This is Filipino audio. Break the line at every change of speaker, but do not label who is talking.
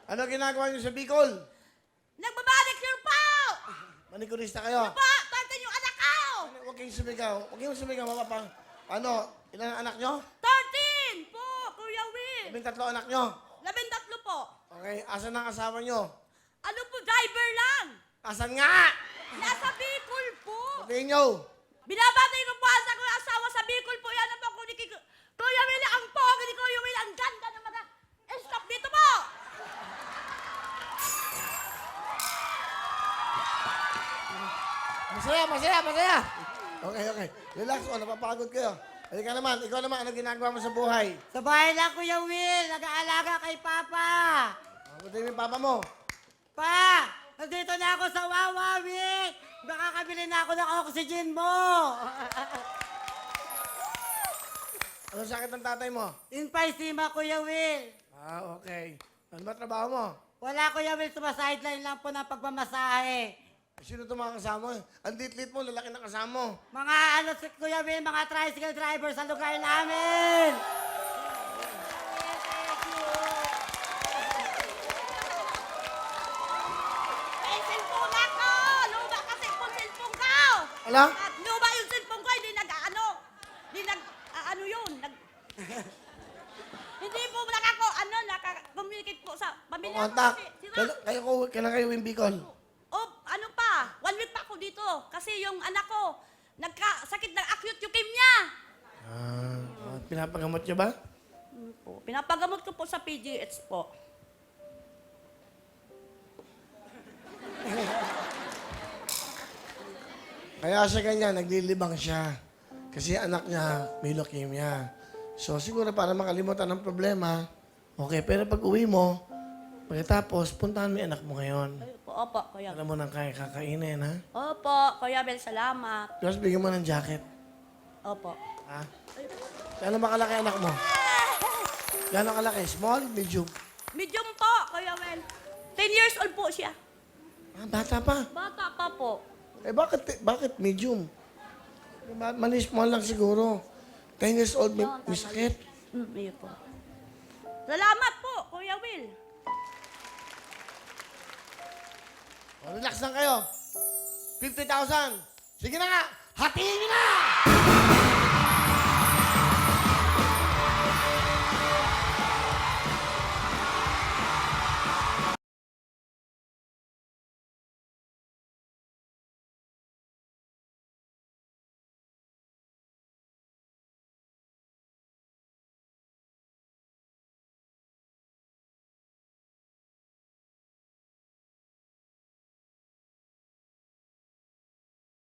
Ano ginagawa niyo sa Bicol?
Nagbabanicure po!
Manikurista kayo?
Po, tantan yung anak ko!
Huwag kayong sumigaw. Huwag kayong sumigaw, mapapang. Ano? Ilan ang anak nyo?
13 po, Kuya Will!
13 anak nyo.
13 po.
Okay, asan ang asawa nyo?
Ano po, driver lang?
Asan nga?
Nasa Bicol po.
Sabihin nyo.
Binabati ko po ang sa kuya asawa sa Bicol po. Yan ang po, Kuya Will, ang pogi ni Kuya Will. Ang ganda ng mga stop dito po.
Masaya, masaya, masaya. Okay, okay. Relax o, napapagod kayo. Halika naman, ikaw naman, ano ginagawa mo sa buhay?
Sa bahay lang, Kuya Will. Nag-aalaga kay Papa.
Ano yung papa mo?
Pa! Nandito na ako sa Wawa, Will. Baka kabili na ako ng oxygen mo.
Ano sakit ng tatay mo?
Infaisima, Kuya Will.
Ah, okay. Ano ba trabaho mo?
Wala, Kuya Will. Sumasideline lang po ng pagmamasahe.
Sino ito mga kasama mo? Ang lit-lit mo, lalaki ng kasama mo.
Mga ano, si Kuya Will, mga tricycle driver sa lugar namin.
May cellphone ako. Luma kasi po cellphone ko.
Ala?
At luma yung cellphone ko. Hindi nag-ano. Hindi nag-ano yun. Hindi po naka-communicate po sa pamilya ko.
Kontak.
kasi sira.
Kailan kayo yung Bicol?
Oh, ano pa? 1 week pa ako dito. Kasi yung anak ko, nagkasakit ng acute leukemia.
Pinapagamot nyo ba?
Po, pinapagamot ko po sa PGH po.
Kaya siya ganyan, naglilibang siya. Kasi anak niya may leukemia. So siguro para makalimutan ng problema, okay, pero pag uwi mo, pagkatapos, puntahan mo yung anak mo ngayon.
Ay, po, opo, Kuya.
Alam mo nang kaya kakainin, ha?
Opo, Kuya Bel, salamat.
Tapos bigyan mo ng jacket.
Opo.
Ha? Gano'n ba kalaki anak mo? Gano'n kalaki? Small? Medium?
Medium po, Kuya Bel. 10 years old po siya.
Ah, bata pa.
Bata pa po.
Eh bakit medium? Mali small lang siguro. 10 years old, may sakit.
Ayun po. Salamat po, Kuya Will.
O, relax lang kayo. 50,000. Sige na nga, hatiin nyo na!